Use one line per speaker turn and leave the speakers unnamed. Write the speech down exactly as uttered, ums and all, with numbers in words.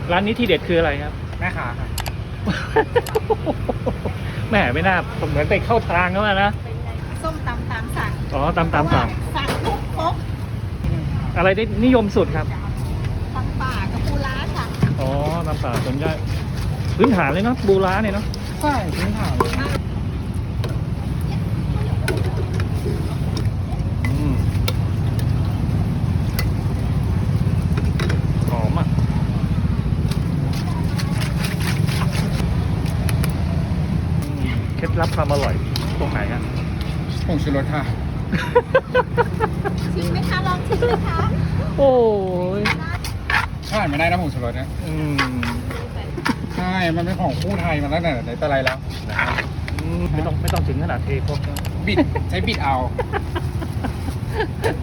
ร้านนี้ที่เด็ดคืออะไรครับ
แม่ค้าครับ
แหมไม่น่าเหมือนไปเข้าทางเขาอะนะ
ส้มตำตามสั่ง
อ๋อตามตามสั่ง
สั่งทุกครบ
อะไรได้นิยมสุดครับ
ตำป่ากับปูร้าค่ะ
อ๋อตามสั่งส่วนใหญ่พื้นฐานเลยเนาะบูร้าเนี่ยเนาะ
ใช่พื้นฐาน
อืมหอมอ่ะอืมเคล็ดลับความอร่อยตรงไหนฮะ
ผงชูรสค่ะ
ชิมไหมคะ ลองชิมไหมคะ
โอ้ย
ขาดไม่ได้นะผงชูรสเนี่ย
อืม
ใช่ มันเป็นของคู่ไทยมาตั้งแต่ไหนแต่ไรแล้ว
อืมไม่ต้องไม่ต้องถึงขนาดเทครบนะ
บิด ใช้บิดเอา